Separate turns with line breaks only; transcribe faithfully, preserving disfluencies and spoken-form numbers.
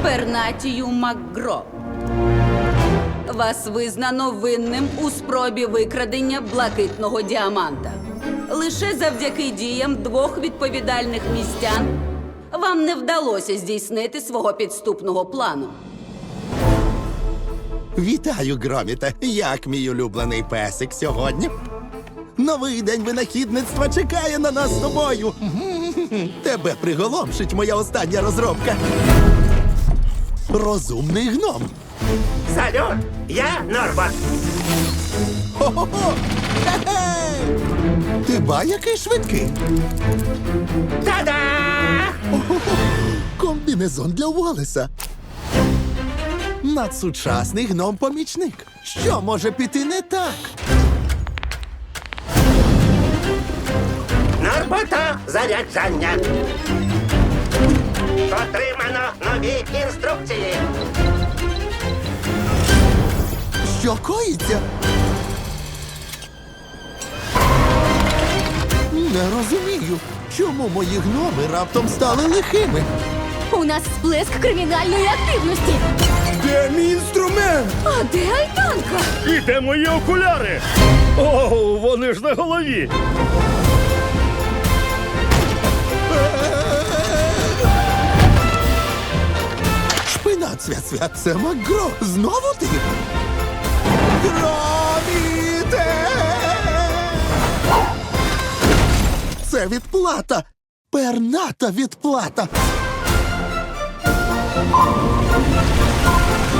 Пернатію МакГро. Вас визнано винним у спробі викрадення блакитного діаманта. Лише завдяки діям двох відповідальних містян вам не вдалося здійснити свого підступного плану.
Вітаю, Громіте. Як мій улюблений песик сьогодні? Новий день винахідництва чекає на нас з тобою. Тебе приголомшить моя остання розробка. Розумний гном.
Салют, я Норбот.
Хо-хо-хо! Хе-хе! Ти ба який швидкий.
Та-да!
О-хо-хо! Комбінезон для Уоллеса. Надсучасний гном-помічник. Що може піти не так?
Норбота заряджання. Отримано нові інструкції.
Що коїться? Не розумію, чому мої гноми раптом стали лихими.
У нас сплеск кримінальної активності.
Де мій інструмент?
А де альтанка?
І де мої окуляри? О, вони ж на голові.
Шпинат, свят-свят, це МакГро. Знову ти? Громіте! Це відплата. Перната відплата.